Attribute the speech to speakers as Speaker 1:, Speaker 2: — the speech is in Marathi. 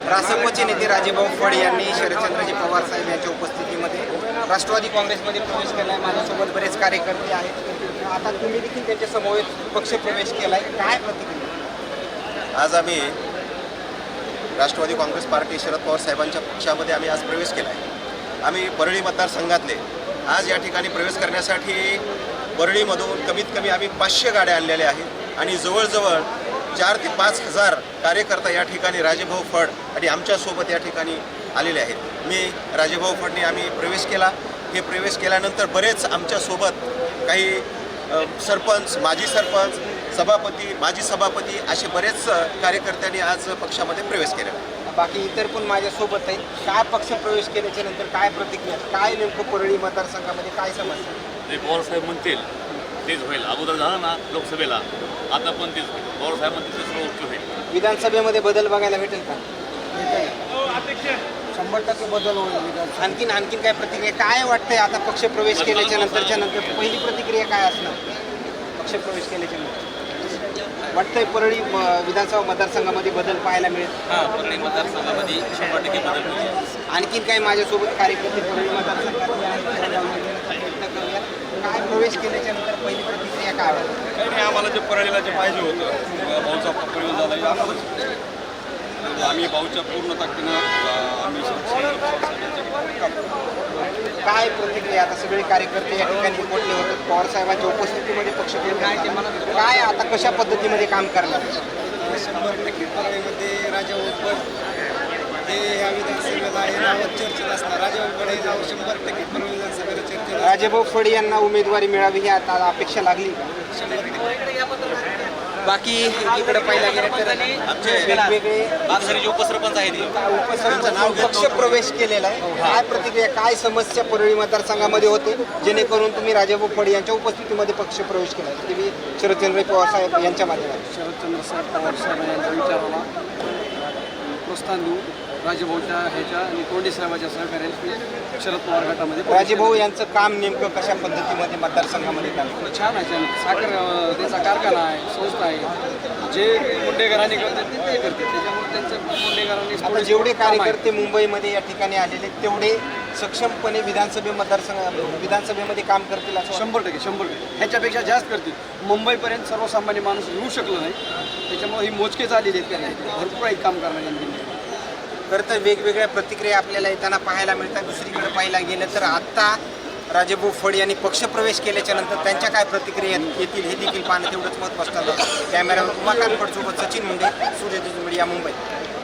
Speaker 1: रासपचे नेते राजेभाऊ फड यांनी शरदचंद्रजी पवार साहेब यांच्या उपस्थितीमध्ये राष्ट्रवादी काँग्रेसमध्ये प्रवेश केला आहे। माझ्यासोबत बरेच कार्यकर्ते आहेत। आता तुम्ही देखील त्यांच्या समवेत पक्ष प्रवेश केला आहे, काय प्रतिक्रिया?
Speaker 2: आज आम्ही राष्ट्रवादी काँग्रेस पार्टी शरद पवार साहेबांच्या पक्षामध्ये आम्ही आज प्रवेश केला आहे। आम्ही परळी मतदारसंघातले आज या ठिकाणी प्रवेश करण्यासाठी परळीमधून कमीत कमी आम्ही 500 गाड्या आणलेल्या आहेत आणि जवळजवळ 4 ते 5 हजार कार्यकर्ता या ठिकाणी राजेभाऊ फड आणि आमच्यासोबत या ठिकाणी आलेले आहेत। मी राजेभाऊ फडने आम्ही प्रवेश केला। हे प्रवेश केल्यानंतर बरेच आमच्यासोबत काही सरपंच, माजी सरपंच, सभापती, माजी सभापती असे बरेच कार्यकर्त्यांनी आज पक्षामध्ये प्रवेश केला।
Speaker 1: बाकी इतर पण माझ्यासोबत आहेत। काय पक्ष प्रवेश केल्याच्या नंतर काय प्रतिक्रिया, काय नेमकं परळी मतदारसंघामध्ये काय समस्या?
Speaker 3: ते पवारसाहेब म्हणतील तेच होईल। अगोदर झालं ना लोकसभेला, आता पण तेच होईल। पवारसाहेब म्हणतील ते सर्व ओके होईल।
Speaker 1: विधानसभेमध्ये बदल बघायला भेटेल का?
Speaker 4: 100% बदल होईल।
Speaker 1: आणखीन काय प्रतिक्रिया, काय वाटतंय आता पक्ष प्रवेश केल्याच्या नंतर पहिली प्रतिक्रिया काय असणार? पक्ष प्रवेश केल्याच्या नंतर वाटतंय परळी विधानसभा मतदारसंघामध्ये बदल पाहायला मिळेल?
Speaker 3: हां, परळी मतदारसंघामध्ये 100% बदल होईल।
Speaker 1: आणखीन काही माझ्यासोबत कार्यकर्ते परळी मतदारसंघातले आहेत, प्रयत्न करूया। काय प्रवेश केल्याच्या नंतर पहिली प्रतिक्रिया काय वाटते?
Speaker 5: काही नाही, आम्हाला जे परळीला जे पाहिजे होतं भाऊचा प्रयोग झाला आम्हाला आम्ही भाऊच्या पूर्ण ताकदीनं आम्ही
Speaker 1: काय प्रतिक्रिया? आता सगळे कार्यकर्ते या ठिकाणी पोहोचले होते पवार साहेबांच्या उपस्थितीमध्ये पक्ष काय आता कशा पद्धतीमध्ये काम करणार?
Speaker 4: 100% परळीमध्ये राजेभाऊ फड हे ह्या विधानसभेला हे नावात चर्चेत असणार। राजेभाऊ फड हे नाव 100% परळी विधानसभेला चर्चेत असणार।
Speaker 1: राजेभाऊ फड यांना उमेदवारी मिळावी ही आता अपेक्षा लागली का?
Speaker 4: 100%।
Speaker 1: बाकी इकडे पाहिला गेलं तर आमचे वेगवेगळे
Speaker 3: जे उपसरपंच आहेत
Speaker 1: पक्ष प्रवेश केलेला आहे। काय प्रतिक्रिया, काय समस्या परळी मतदारसंघामध्ये होते जेणेकरून तुम्ही राजेभाऊ फड यांच्या उपस्थितीमध्ये पक्ष प्रवेश केला? ते शरदचंद्र पवार साहेब यांच्या माध्यमातून
Speaker 4: शरदचंद्र साहेब पवार साहेब यांच्या विचाराला प्रोत्साहन देऊ राजेभाऊच्या ह्याच्या आणि तोंडी साहेबाच्या सहकार्याने शरद पवार गटामध्ये
Speaker 1: राजेभाऊ यांचं काम नेमकं कशा पद्धतीमध्ये मतदारसंघामध्ये काम?
Speaker 4: छान आहे। साखर त्याचा कारखाना आहे, संस्था आहे। जे मुंडेकरांनी करतात ते करतात, त्याच्यामुळे त्यांचं मुंडेकरांनी
Speaker 1: आता जेवढे कार्यकर्ते मुंबईमध्ये या ठिकाणी आलेले तेवढे सक्षमपणे विधानसभेमध्ये काम करतील असं
Speaker 4: 100% ह्याच्यापेक्षा जास्त करतील। मुंबईपर्यंत सर्वसामान्य माणूस येऊ शकलो नाही, त्याच्यामुळे ही मोजकेच आलेली आहेत त्यांना, भरपूर आहेत काम करणारे।
Speaker 1: खरं तर वेगवेगळ्या प्रतिक्रिया आपल्याला येताना पाहायला मिळतात। दुसरीकडे पाहायला गेलं तर आत्ता राजेभाऊ फड यांनी पक्षप्रवेश केल्याच्या नंतर त्यांच्या काय प्रतिक्रिया येतील हे देखील पाहणं तेवढंच महत्त्वाचं. कॅमेरामॅन उमाकांत फडसोबत सचिन मुंडे, सूर्यदूत मीडिया, मुंबई.